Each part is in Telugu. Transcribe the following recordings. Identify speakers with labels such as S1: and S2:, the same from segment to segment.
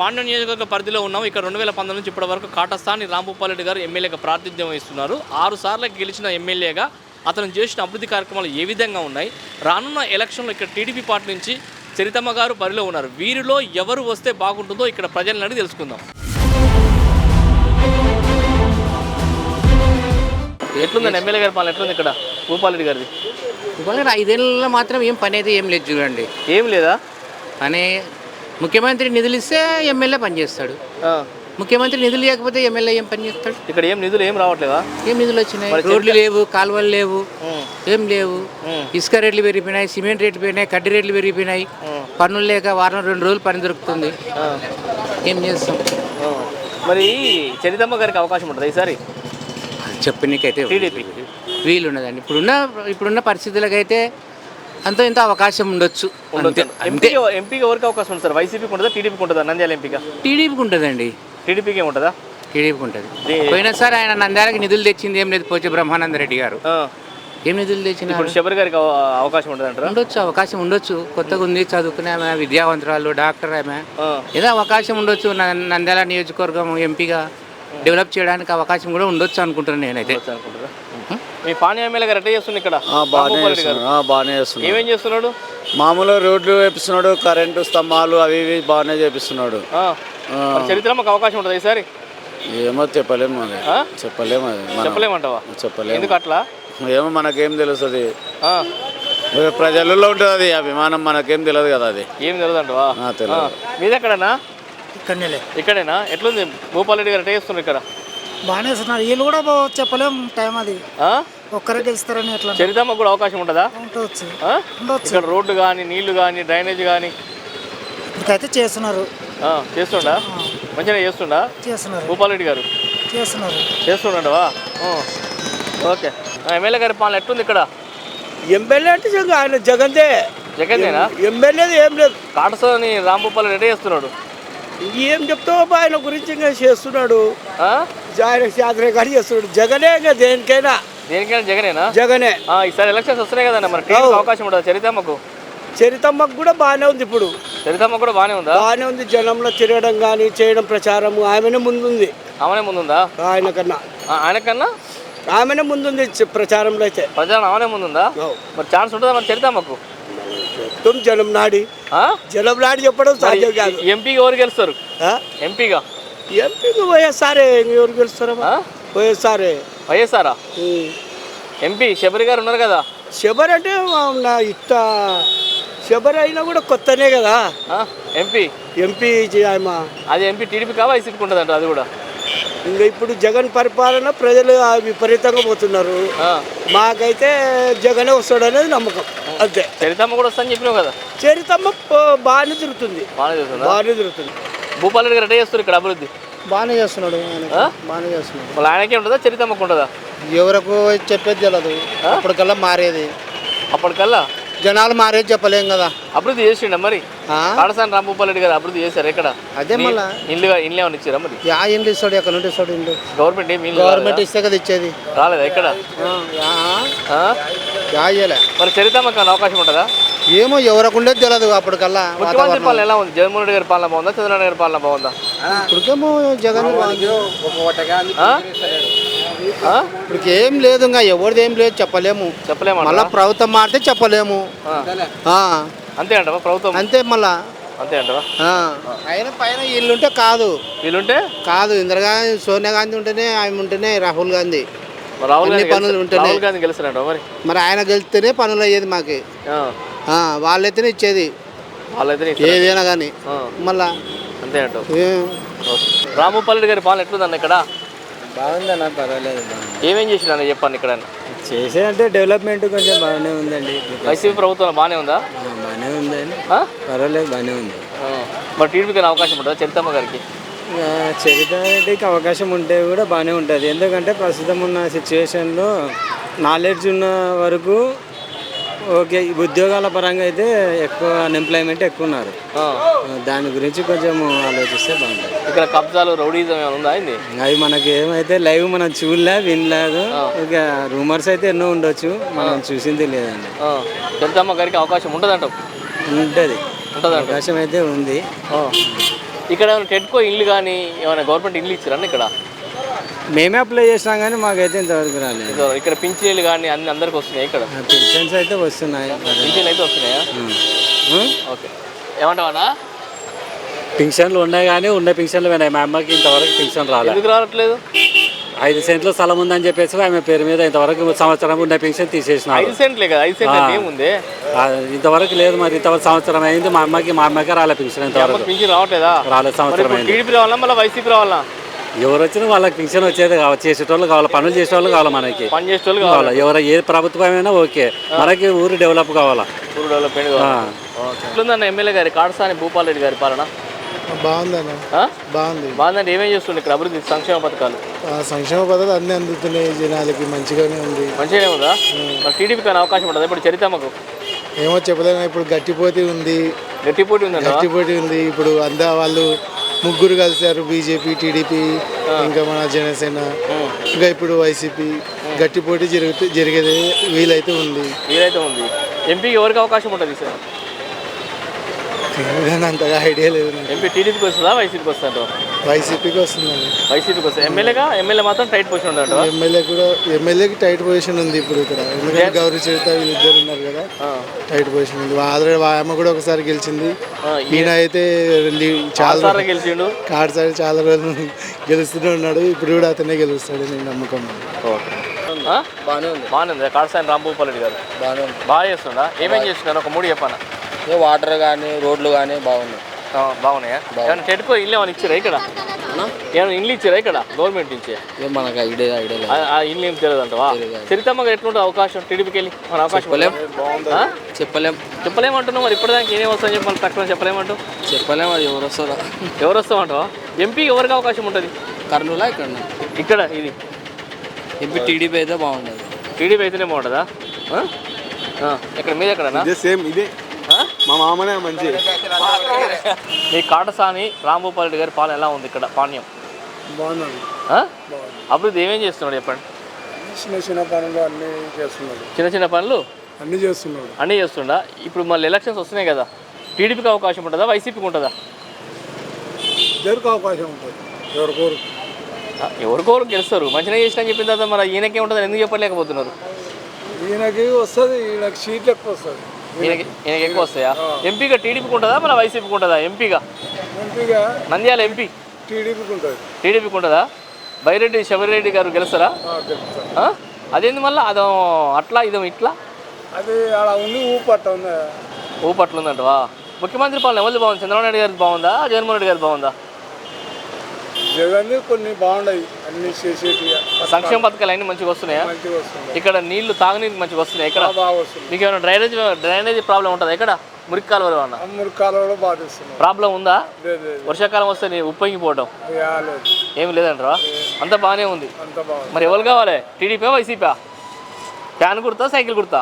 S1: పాండ్య నియోజకవర్గ పరిధిలో ఉన్నాం. ఇక్కడ 2019 నుంచి ఇప్పటి వరకు కాటస్థాని రాంభూపాల్ రెడ్డి గారు ఎమ్మెల్యేగా ప్రాతినిధ్యం వహిస్తున్నారు. 6 సార్లు గెలిచిన ఎమ్మెల్యేగా అతను చేసిన అభివృద్ధి కార్యక్రమాలు ఏ విధంగా ఉన్నాయి, రానున్న ఎలక్షన్లో ఇక్కడ టీడీపీ పార్టీ నుంచి చరితమ్మ గారు బరిలో ఉన్నారు. వీరిలో ఎవరు వస్తే బాగుంటుందో ఇక్కడ ప్రజలను అడిగి తెలుసుకుందాం. ఎట్లుందండి ఎమ్మెల్యే గారి పాలన ఎట్లుంది ఇక్కడ భూపాల్ రెడ్డి గారిది?
S2: భూపాల్ గారు 5 ఏళ్ళలో మాత్రం ఏం పని అయితే ఏం లేదు చూడండి.
S1: ఏం లేదా?
S2: పని ముఖ్యమంత్రి నిధులు ఇస్తే ఎమ్మెల్యే పనిచేస్తాడు. ముఖ్యమంత్రి నిధులు లేకపోతే ఎమ్మెల్యే ఏం పని చేస్తాడు?
S1: ఇక్కడ ఏం నిధులు ఏం రావట్లేదా?
S2: ఏం నిధులు వచ్చినాయి? రోడ్లు లేవు, కాలువలు లేవు, ఏం లేవు. ఇసుక రేట్లు పెరిగిపోయినాయి, సిమెంట్ రేట్లు పెరిగినాయి, కడ్డీ రేట్లు పెరిగిపోయినాయి. పనులు లేక వారం 2 రోజులు పని దొరుకుతుంది. ఏం చేస్తాం?
S1: మరి చరితమ్మ గారికి అవకాశం ఉంటుంది ఈసారి?
S2: చెప్పనీకైతే
S1: టీడీపీ
S2: వీలు ఉన్నదండి. ఇప్పుడున్న పరిస్థితులకైతే అంత ఇంత అవకాశం ఉండొచ్చు.
S1: ఎంపీకి ఎవరికి అవకాశం ఉంటుంది సార్? వైసీపీకి ఉంటుందా, టీడీపీకి ఉంటుందా? నంద్యాల ఎంపీగా
S2: టీడీపీకి ఉంటుందండి.
S1: టీడీపీకి ఉంటుందా?
S2: టీడీపీకి ఉంటుంది. పోయినసారి ఆయన నంద్యాలకి నిధులు తెచ్చింది ఏం లేదు. పోచే బ్రహ్మానందరెడ్డి గారు ఏం నిధులు తెచ్చిన?
S1: ఇప్పుడు శబరి గారికి అవకాశం ఉంటుంది అంటారా?
S2: ఉండొచ్చు, అవకాశం ఉండొచ్చు. కొత్తగా ఉంది, చదువుకునే ఆమె, విద్యావంతురాలు, డాక్టర్ ఆమె, ఏదో అవకాశం ఉండొచ్చు. నంద్యాల నియోజకవర్గం ఎంపీగా డెవలప్ చేయడానికి అవకాశం కూడా ఉండొచ్చు అనుకుంటున్నాను నేనైతే.
S1: మీ పాణి ఎమ్మెల్యే గారు ఎట్లా చేస్తుంది ఇక్కడ?
S3: బాగానే చేస్తున్నాడు.
S1: ఏమేం చేస్తున్నాడు?
S3: మామూలు రోడ్లు వేపిస్తున్నాడు, కరెంటు స్తంభాలు అవి ఇవి బాగానే చేపిస్తున్నాడు.
S1: చరిత్రమ్మకు అవకాశం ఉంటుంది ఈసారి?
S3: ఏమో చెప్పలేము, అది చెప్పలేము, అది
S1: చెప్పలేమంటావా?
S3: చెప్పలేము.
S1: ఎందుకు అట్లా?
S3: ఏమో మనకేం తెలుస్తుంది, ప్రజలలో ఉంటుంది అది అభిమానం, మనకేం తెలియదు కదా. అది
S1: ఏం తెలియదు అంటవా? తెలియదు. మీది ఎక్కడనా? ఇక్కడేనా? ఎట్లుంది భూపాల్ రెడ్డి గారు ఎట్లా చేస్తున్నారు ఇక్కడ?
S4: బాగానే చేస్తున్నారు. వీళ్ళు కూడా చెప్పలేం టైం, అది ఒక్కరే గెలుస్తారని. ఎట్లా
S1: చరితమ్మకు కూడా అవకాశం ఉంటుందా?
S4: ఉండొచ్చు.
S1: ఇక్కడ రోడ్డు కానీ, నీళ్లు కానీ, డ్రైనేజ్ కానీ
S4: ఇప్పుడైతే చేస్తున్నారు.
S1: చేస్తుండా? మంచిగా చేస్తున్నారు భూపాల్ రెడ్డి గారు? చేస్తుండవా? ఓకే. ఎమ్మెల్యే గారి పాలన ఎట్లుంది ఇక్కడ?
S5: ఎమ్మెల్యే అంటే ఆయన
S1: జగన్దేనా?
S5: ఎమ్మెల్యేది ఏం లేదు.
S1: కాటసాని రాంభూపాల్ రెడ్డి చేస్తున్నాడు.
S5: ఏం చెప్తావు ఆయన గురించి? ఇంకా చేస్తున్నాడు, ఆయన యాత్ర కానీ చేస్తున్నాడు. జగనే ఇంకా దేనికైనా
S1: జగనేనా?
S5: జగనే.
S1: ఈసారి ఎలక్షన్స్ వస్తున్నాయి కదండి, మరి అవకాశం ఉండదు చరితమ్మకు?
S5: చరితమ్మకు కూడా బాగానే ఉంది. ఇప్పుడు
S1: చరితమ్మకు కూడా బాగానే ఉందా?
S5: బాగానే ఉంది. జనంలో తిరగడం కానీ చేయడం, ప్రచారం ఆమెనే ముందుంది.
S1: ఆమెనే ముందుందా? ఆయనకన్నా
S5: ఆమెనే ముందుంది ప్రచారంలో. అయితే
S1: ప్రచారం ఆమెనే ముందుందా? మరి ఛాన్స్ ఉంటుందా మరి చరితమ్మకు?
S5: జనం నాడి చెప్పడం సాధ్యం కాదు.
S1: ఎంపీగా ఎవరు గెలుస్తారు? ఎంపీగా
S5: వైఎస్ఆర్. ఎవరు గెలుస్తారా?
S1: వైఎస్ఆరా? ఎంపీ శబరి గారు ఉన్నారు కదా.
S5: శబరి అంటే శబరి అయినా కూడా కొత్తనే కదా.
S1: ఎంపీ
S5: అది
S1: ఎంపీ టీడీపీ కా వైసీపీకి ఉంటుంది అంట. అది కూడా
S5: ఇంకా ఇప్పుడు జగన్ పరిపాలన ప్రజలు విపరీతంగా పోతున్నారు. మాకైతే జగనే వస్తాడు అనేది నమ్మకం, అంతే.
S1: చరితమ్మ కూడా వస్తా అని చెప్పినావు కదా.
S5: చరితమ్మ బాగానే తిరుగుతుంది.
S1: భూపాల్ రెడ్డి గారు ఎట్లా చేస్తారు ఇక్కడ అభివృద్ధి?
S4: బాగానే చేస్తున్నాడు.
S1: మళ్ళీ ఆయనకే ఉంటుందా, చరితమ్మకు ఉంటుందా?
S4: ఎవరకు చెప్పేది తెలియదు. అప్పటికల్లా మారేది,
S1: అప్పటికల్లా
S4: జనాలు మారేది చెప్పలేం కదా.
S1: అభివృద్ధి చేసిండ మరి కాటసాని రాంభూపాల్ రెడ్డి గారు? అభివృద్ధి చేశారు ఎక్కడ?
S4: అదే మళ్ళీ
S1: ఇల్లు ఏమైనా ఇచ్చారా మరి?
S4: ఇండ్లు ఇస్తాడు, ఎక్కడ నుండి ఇస్తాడు? ఇండ్లు
S1: గవర్నమెంట్
S4: ఇస్తే కదా ఇచ్చేది.
S1: రాలేదా ఇక్కడ? మరి చరితమ్మకి అవకాశం ఉంటుందా?
S4: ఏమో ఎవరికి ఉండేది తెలియదు. అప్పటికల్లా
S1: ముఖ్యమంత్రి పాలన ఎలా ఉంది? జగన్మోహన్ రెడ్డి గారి పాలన బాగుందా, చంద్రబాబు గారి పాలన బాగుందా?
S4: ఇప్పటికేమో జగన్ ఇప్పటికి ఏం లేదు, ఇంకా ఎవరిది ఏం లేదు, చెప్పలేము. మళ్ళీ ప్రభుత్వం మారితే చెప్పలేము.
S1: అంతే అంటవా? ప్రభుత్వం
S4: అంతే మళ్ళా
S1: అంతే అంటవా?
S4: ఆయన పైన వీళ్ళుంటే కాదు, ఇందిరాగాంధీ, సోనియా గాంధీ ఉంటేనే, ఆమె ఉంటేనే, రాహుల్ గాంధీ పనులు ఉంటేనే. మరి ఆయన గెలిస్తేనే పనులు అయ్యేది మాకు. వాళ్ళైతేనే ఇచ్చేది ఏదైనా కానీ. మళ్ళా
S1: అంతే అంటావు? రాంభూపాల్ రెడ్డి గారి పాలన ఎట్లుందన్న ఇక్కడ?
S4: బాగుందన్న, పర్వాలేదు.
S1: ఏమేం చేసిందన్న చెప్పండి ఇక్కడ?
S4: చేసేదంటే డెవలప్మెంట్ కొంచెం బాగానే ఉందండి.
S1: వైసీపీ ప్రభుత్వం బాగానే ఉందా?
S4: బాగానే ఉందండి, పర్వాలేదు, బాగానే ఉంది.
S1: మరి టీడీపీకి అవకాశం ఉంటుందా చరితమ్మ గారికి?
S4: చరిత్రకి అవకాశం ఉంటే కూడా బాగానే ఉంటుంది. ఎందుకంటే ప్రస్తుతం ఉన్న సిచ్యువేషన్లో నాలెడ్జ్ ఉన్న వరకు ఓకే. ఉద్యోగాల పరంగా అయితే ఎక్కువ అన్ఎంప్లాయ్మెంట్ ఎక్కువ ఉన్నారు. దాని గురించి కొంచెం ఆలోచిస్తే బాగుంటుంది.
S1: ఇక్కడ కబ్జాలు, రౌడీజం ఉందా?
S4: అవి మనకి ఏమైతే లైవ్ మనం వినలేదు. ఇక రూమర్స్ అయితే ఎన్నో ఉండొచ్చు, మనం చూసింది లేదండి.
S1: చరితమ్మ గారికి అవకాశం ఉంటుంది అంటావు?
S4: ఉంటుంది, అవకాశం అయితే ఉంది.
S1: ఇక్కడ ఏమైనా టెట్కో ఇల్లు కానీ ఏమైనా గవర్నమెంట్ ఇల్లు ఇచ్చారని ఇక్కడ
S6: మేమే అప్లై చేసినాం కానీ మాకైతే ఇంతవరకు రాలేదు.
S1: ఇక్కడ పింఛన్లు కానీ అన్ని అందరికి వస్తున్నాయి ఇక్కడ
S6: పెన్షన్స్ అయితే వస్తున్నాయి.
S1: పింఛన్లు అయితే వస్తున్నాయా? ఓకే, ఏమంటావా?
S7: పింఛన్లు ఉన్నాయి కానీ ఉన్న పింఛన్లు పోయినాయి. మా అమ్మకి ఇంతవరకు పింఛన్ రాలేదు.
S1: ఎందుకు రావట్లేదు?
S7: 5 సెంట్ల స్థలం ఉందని చెప్పేసి ఆమె పేరు మీద ఇంతవరకు సంవత్సరం ఉన్న పింఛన్ తీసేసినారు.
S1: 5 సెంట్లే కదా, 5 సెంట్లు ఏముంది
S7: ఇంతవరకు లేదు. మరి ఇంతవరకు సంవత్సరం అయింది. మా అమ్మకి రాలే పింఛన్ ఇంతవరకు.
S1: పింఛన్ రావట్లేదా?
S7: రాలేదు, సంవత్సరం అయింది.
S1: టీడీపీ రావాలా మళ్ళీ వైసీపీ రావాలా?
S7: ఎవరు వచ్చినా వాళ్ళకి పింఛన్ వచ్చేది కావాలి. చేసేటోళ్ళు కావాలి, పనులు చేసేవాళ్ళు కావాలి, మనకి
S1: పని చేసేటోళ్ళు
S7: కావాలి. ఎవరు ఏ ప్రభుత్వమైనా ఓకే, మనకి ఊరు డెవలప్ కావాలా.
S1: ఊరు డెవలప్మెంట్ ఎట్లుందన్న ఎమ్మెల్యే గారి కాడసాని భూపాల్ రెడ్డి గారి పాలన?
S4: బాగుందన్న, బాగుంది.
S1: బాగుందంటే ఏమేం చేస్తుంది ఇక్కడ అభివృద్ధి సంక్షేమ పథకాలు?
S4: సంక్షేమ పథకాలు అన్ని అందుతున్నాయి జనాలకి, మంచిగానే ఉంది.
S1: మంచిగానే ఉందా? మరి టీడీపీ కానీ అవకాశం ఉంటుంది ఇప్పుడు చరితమ్మకు?
S4: ఏమో చెప్పలేము. ఇప్పుడు గట్టిపోటీ ఉంది,
S1: గట్టిపోటీ ఉందండి.
S4: గట్టిపోటీ ఉంది. ఇప్పుడు అందా వాళ్ళు ముగ్గురు కలిశారు, బీజేపీ, టీడీపీ, ఇంకా మన జనసేన, ఇంకా ఇప్పుడు వైసీపీ. గట్టిపోటీ జరిగేది వీలైతే ఉంది.
S1: ఎంపీకి ఎవరికి అవకాశం ఉంటుంది సార్?
S4: అంతగా ఐడియా లేదు.
S1: ఎంపీ టీడీపీకి వస్తుందా వైసీపీకి వస్తుందా?
S4: వైసీపీకి వస్తుందండి.
S1: వైసీపీకి వస్తుంది. ఎమ్మెల్యే మాత్రం టైట్ పొజిషన్ ఉండదు.
S4: ఎమ్మెల్యేకి టైట్ పొజిషన్ ఉంది ఇప్పుడు ఇక్కడ. ఎందుకంటే గౌరీ చరిత వీళ్ళిద్దరు ఉన్నారు కదా, టైట్ పొజిషన్ ఉంది. ఆల్రెడీ ఆమె కూడా ఒకసారి గెలిచింది. ఈయన అయితే చాలా
S1: గెలిచిండు.
S4: కాడసారి చాలా రోజులు గెలుస్తూనే ఉన్నాడు. ఇప్పుడు కూడా అతనే గెలుస్తాడు నేను నమ్మకం.
S1: బాగానే ఉంది. కాడసాని రాంభూపాల్ రెడ్డి గారు బాగా చేస్తుండా? ఏమేం చేస్తున్నారు? ఒక 3 చెప్పాను.
S6: వాటర్ కానీ రోడ్లు కానీ బాగున్నాయి.
S1: బాగున్నాయా? ఏమైనా టెట్కో ఇల్లు ఏమైనా ఇచ్చారా ఇక్కడ? ఏమైనా ఇల్లు ఇచ్చారా ఇక్కడ గవర్నమెంట్ నుంచి?
S6: మనకు ఐడియా
S1: ఆ ఇల్లు ఏం తెలియదు అంటవా? చరితమ్మగా ఎట్లుంటుంది అవకాశం టీడీపీకి వెళ్ళి? మన అవకాశం చెప్పలేమంటున్నావు. మరి ఇప్పటిదానికి ఏమేమి వస్తాయని చెప్పి మనం తక్కువ చెప్పలేమంటావు?
S6: అది
S1: ఎవరు వస్తామంటావా? ఎంపీకి ఎవరికి అవకాశం ఉంటుంది?
S6: కర్నూలా
S1: ఇక్కడ ఇది
S6: ఎంపీ టీడీపీ అయితే బాగుంటుంది.
S1: టీడీపీ అయితేనే బాగుంటుందా? ఇక్కడ మీద ఎక్కడనా?
S3: సేమ్ ఇదే మా మామనే మంచి.
S1: మీ కాటసాని రాంభూపాల్ రెడ్డి గారి పాలన ఎలా ఉంది ఇక్కడ? పాణ్యం
S4: బాగున్నాడు.
S1: అభివృద్ధి ఏమేం చేస్తున్నాడు చెప్పండి?
S4: చిన్న చిన్న పనులు అన్నీ చేస్తున్నాడు.
S1: చిన్న పనులు
S4: అన్నీ
S1: చేస్తుండా? ఇప్పుడు మళ్ళీ ఎలక్షన్స్ వస్తున్నాయి కదా, టీడీపీకి అవకాశం ఉంటుందా వైసీపీకి ఉంటుందా?
S4: ఇద్దరికి అవకాశం ఉంటుంది.
S1: ఎవరికోరు గెలుస్తారు. మంచిగా చేసిన అని చెప్పిన తర్వాత మరి ఈయనకే ఉంటుంది ఎందుకు చెప్పలేకపోతున్నారు?
S4: ఈయనకి వస్తుంది, ఈయనకి సీట్లు ఎక్కువ వస్తుంది.
S1: ఈయనకి ఎక్కువ వస్తాయా? ఎంపీగా టీడీపీకి ఉంటుందా మన వైసీపీకి ఉంటుందా? ఎంపీగా నంద్యాల ఎంపీ టీడీపీకి ఉంటుందా? బైరెడ్డి శబరిరెడ్డి గారు గెలుస్తారా? అదేంది మళ్ళీ అదో అట్లా ఇదో ఇట్లా ఊపట్ల ఉందంటవా? ముఖ్యమంత్రి పాలన ఎవరిది బాగుంది? చంద్రబాబు నాయుడు గారిది బాగుందా జగన్మోహన్ రెడ్డి గారిది బాగుందా?
S4: జగన్ కొన్ని బాగున్నాయి, అన్ని
S1: సంక్షేమ పథకాలు అన్నీ మంచిగా వస్తున్నాయా? ఇక్కడ నీళ్లు తాగునీరు మంచిగా వస్తున్నాయి. ఇక్కడ మీకు ఏమైనా డ్రైనేజ్ ప్రాబ్లం ఉంటుందా? ఇక్కడ మురికి కాలువలు ప్రాబ్లం ఉందా? వర్షాకాలం వస్తే నీ ఉప్పొంగిపోవడం ఏమి లేదంటారా? అంత బాగానే ఉంది. మరి ఎవరు కావాలి? టీడీపీ వైసీపీ? ఫ్యాన్ గుర్తా సైకిల్ గుర్తా?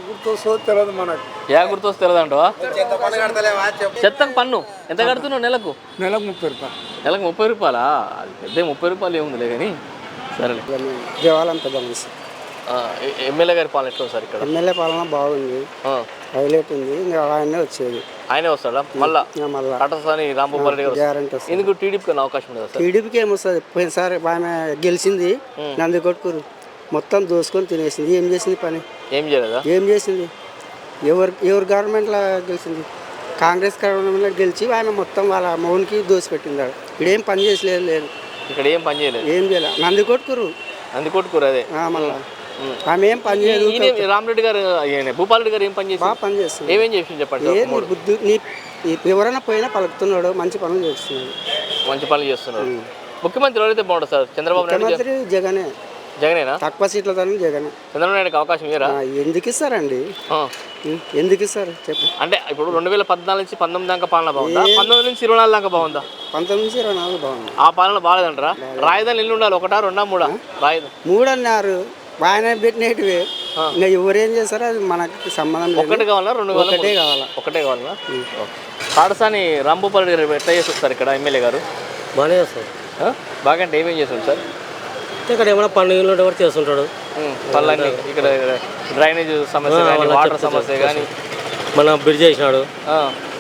S1: యా గుర్తు వస్తే తెలియదు అంటవా? చెత్తకు పన్ను ఎంత కడుతున్నావు నెలకు?
S4: నెలకు 30 రూపాయలు.
S1: నెలకు 30 రూపాయలా? పెద్ద 30 రూపాయలు ఏముందిలే కానీ సరేలే.
S5: దేవాలయం పెద్ద మనిషి.
S1: ఎమ్మెల్యే గారి పాలన ఎట్లా సార్ ఇక్కడ?
S5: ఎమ్మెల్యే పాలన బాగుంది, హైలైట్ ఉంది. ఇంకా ఆయనే వచ్చేది.
S1: ఆయనే వస్తాడా మళ్ళా? కాటసాని రాంభూపాల్ రెడ్డి గారు
S5: గ్యారంటీ వస్తుంది.
S1: ఎందుకు టీడీపీకి అవకాశం ఉండదు సార్?
S5: టీడీపీకి ఏమొస్తుంది? పోయినసారి ఆమె గెలిచింది, నందికొట్కూరు మొత్తం దోసుకొని తినేసింది. ఏం చేసింది పని?
S1: ఏం చేయలేదా?
S5: ఏం చేసింది? ఎవరు గవర్నమెంట్లో గెలిచింది? కాంగ్రెస్ గవర్నమెంట్లో గెలిచి ఆమె మొత్తం వాళ్ళ మౌన్కి దోసిపెట్టింది. ఇక్కడ ఏం పని చేసలేదు. లేదు
S1: ఇక్కడ ఏం పని చేయలేదు.
S5: ఏం చేయలేదు. నందికొట్కూరు
S1: అదే మళ్ళీ
S5: ఆమె ఏం పని చేయలేదు.
S1: రామరెడ్డి గారు భూపాల్ రెడ్డి గారు ఏం పని చేసి
S5: బాగా పని చేస్తుంది.
S1: ఏమేం చేసి చెప్పండి.
S5: బుద్ధి నీ ఎవరైనా పోయినా పలుకుతున్నాడు, మంచి పనులు చేస్తున్నాడు.
S1: మంచి పనులు చేస్తున్నాడు. ముఖ్యమంత్రి ఎవరైతే బాగుంటుంది సార్? చంద్రబాబు నాయుడు జగనేనా?
S5: తక్కువ సీట్లతో జగనే.
S1: చంద్రబాబు నాయుడుకి అవకాశం ఇయ్యరా?
S5: ఎందుకు ఇస్తారండి? ఎందుకు ఇస్తారు చెప్పు?
S1: అంటే ఇప్పుడు 2014 నుంచి 19 దాకా పాలన బాగుందా? 19 నుంచి 24 దాకా బాగుందా?
S5: 19 నుంచి 24 బాగుంది.
S1: ఆ పాలన బాగాలేదంటారా? రాజధాని ఇల్లు ఉండాలి, 1, 2, 3 రాజధాని
S5: 3 అన్నారు. ఆయన పెట్టినవి ఇంకా ఎవరేం చేస్తారో అది మనకి సంబంధం లేదు.
S1: ఒకటి కావాలా 2 కావాలా? ఒకటే కావాలా? కాటసాని రాంభూపాల్ రెడ్డి గారు ఎట్లా చేసి వస్తారు ఇక్కడ ఎమ్మెల్యే గారు?
S6: బాగానే చేస్తారు.
S1: బాగా అంటే ఏమేం చేస్తారు సార్?
S6: ఇక్కడ ఏమైనా పండుగలు కూడా చేస్తుంటాడు.
S1: పనులన్నీ ఇక్కడ డ్రైనేజ్ సమస్య కానీ, వాటర్ సమస్య కానీ,
S6: మన బ్రిడ్జ్ చేసినాడు.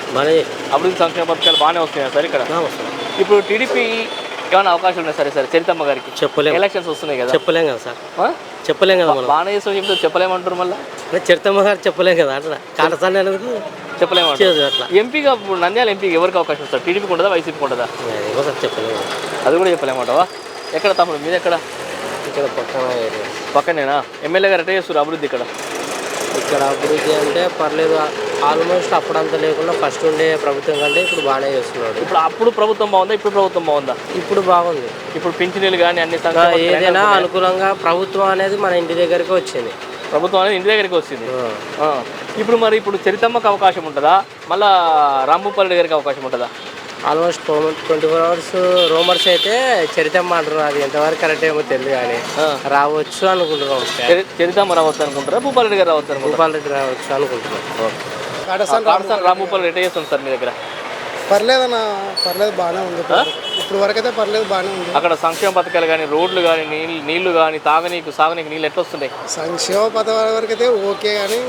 S7: బాగానే
S1: అభివృద్ధి సంక్షేమ పథకాలు బాగానే వస్తున్నాయి సార్ ఇక్కడ. ఇప్పుడు టీడీపీ ఏమైనా అవకాశం ఉన్నాయి సరే చరితమ్మ గారికి?
S7: చెప్పలేము.
S1: ఎలక్షన్స్ వస్తున్నాయి కదా,
S7: చెప్పలేం కదా సార్,
S1: ఆ?
S7: చెప్పలేం కదా మనం.
S1: బాగానే చేస్తాం చెప్తే చెప్పలేమంటారు మళ్ళీ.
S7: చరితమ్మ గారు చెప్పలేం కదా అట్లా కాటసాని అనేది
S1: చెప్పలేమంటారు.
S7: అట్లా
S1: ఎంపీగా ఇప్పుడు నంద్యాల ఎంపీకి ఎవరికి అవకాశం వస్తారు? టీడీపీకి ఉండదా వైసీపీకి ఉండదా?
S7: ఏమో సార్ చెప్పలేము.
S1: అది కూడా చెప్పలేమంటావా? ఎక్కడ తమ్ముడు మీది ఎక్కడ?
S7: ఇక్కడ పక్కన
S1: పక్కనేనా? ఎమ్మెల్యే గారు ఎట్లా చేస్తారు అభివృద్ధి ఇక్కడ?
S7: ఇక్కడ అభివృద్ధి అంటే పర్లేదు, ఆల్మోస్ట్ అప్పుడంతా లేకుండా ఫస్ట్ ఉండే ప్రభుత్వం కంటే ఇప్పుడు బాగానే చేస్తున్నాడు.
S1: ఇప్పుడు అప్పుడు ప్రభుత్వం బాగుందా, ఇప్పుడు ప్రభుత్వం బాగుందా?
S7: ఇప్పుడు బాగుంది.
S1: ఇప్పుడు పింఛనీలు కానీ అన్ని
S7: ఏదైనా అనుకూలంగా ప్రభుత్వం అనేది మన ఇంటి దగ్గరికి వచ్చింది.
S1: ప్రభుత్వం అనేది ఇంటి దగ్గరికి వచ్చింది. ఇప్పుడు మరి ఇప్పుడు చరితమ్మకు అవకాశం ఉంటుందా, మళ్ళా రాంభూపాల్ గారికి అవకాశం ఉంటుందా?
S7: ఆల్మోస్ట్ 24 అవర్స్ రూమర్స్ అయితే చరితమ్మ అంటున్నారు, అది ఎంతవరకు కరెక్ట్ ఏమో తెలియదు కానీ రావచ్చు అనుకుంటున్నాం.
S1: చరితమ్మ రావచ్చు అనుకుంటారా, భూపాల్ రెడ్డి గారు రావచ్చు అనుకుంటారా?
S7: భూపాల్ రెడ్డి రావచ్చు అనుకుంటున్నాం.
S1: రాంభూపాల్ రెడ్డి చేస్తుంది సార్ మీ దగ్గర?
S5: పర్లేదన్న, పర్లేదు బాగానే ఉంది. ఇప్పుడు వరకు అయితే పర్లేదు బాగానే ఉంది.
S1: అక్కడ సంక్షేమ పథకాలు కానీ, రోడ్లు కానీ, నీళ్లు కానీ, సాగునీకు నీళ్ళు ఎట్లా వస్తున్నాయి?
S5: సంక్షేమ పథకాల వరకు అయితే ఓకే, కానీ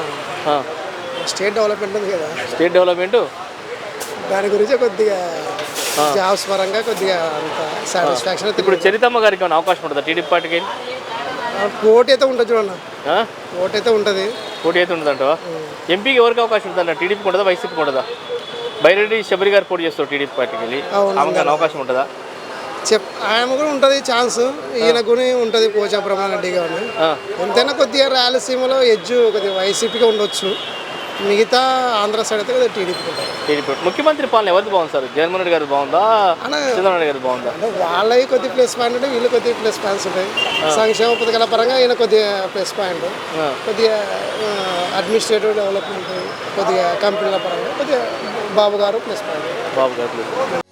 S5: స్టేట్ డెవలప్మెంట్ ఉంది కదా,
S1: స్టేట్ డెవలప్మెంట్
S5: దాని గురించి కొద్దిగా జాబ్స్ పరంగా కొద్దిగా అంత సాటిస్ఫాక్షన్ అయితే.
S1: ఇప్పుడు చరితమ్మ గారికి ఏమైనా అవకాశం ఉంటుందా టీడీపీ పార్టీకి?
S5: పోటీ అయితే ఉంటుంది చూడన్న, పోటీ అయితే ఉంటుంది.
S1: పోటీ అయితే ఉంటుందంటవా? ఎంపీకి ఎవరికి అవకాశం ఉంటుందా? టీడీపీకి ఉంటుందా, వైసీపీకి ఉంటుందా? బైరెడ్డి శబరి గారు పోటీ చేస్తారు టీడీపీ పార్టీకి వెళ్ళి, ఆమెకు అవకాశం ఉంటుందా?
S5: ఆయన కూడా ఉంటుంది ఛాన్స్, ఈయన కూడా ఉంటుంది పోచా బ్రహ్మారెడ్డి గారు. ఎంతైనా కొద్దిగా రాయలసీమలో ఎడ్జు కొద్దిగా వైసీపీగా ఉండొచ్చు, మిగతా ఆంధ్ర సైడ్ అయితే కొద్దిగా టీడీపీ.
S1: ముఖ్యమంత్రి పాలన ఎవరికి బాగుంది సార్? జగన్మోహన్ రెడ్డి గారు బాగుందా, చంద్రబాబు నాయుడు గారు బాగుందా?
S5: అంటే వాళ్ళవి కొద్ది ప్లస్ పాయింట్ ఉంటాయి, వీళ్ళు కొద్దిగా ప్లస్ పాయింట్స్ ఉంటాయి. సంక్షేమ పథకాల పరంగా ఈయన కొద్దిగా ప్లస్ పాయింట్, కొద్దిగా అడ్మినిస్ట్రేటివ్ డెవలప్మెంట్, కొద్దిగా కంపెనీల పరంగా కొద్దిగా బాబు గారు ప్లస్ పాయింట్.
S1: బాబు గారు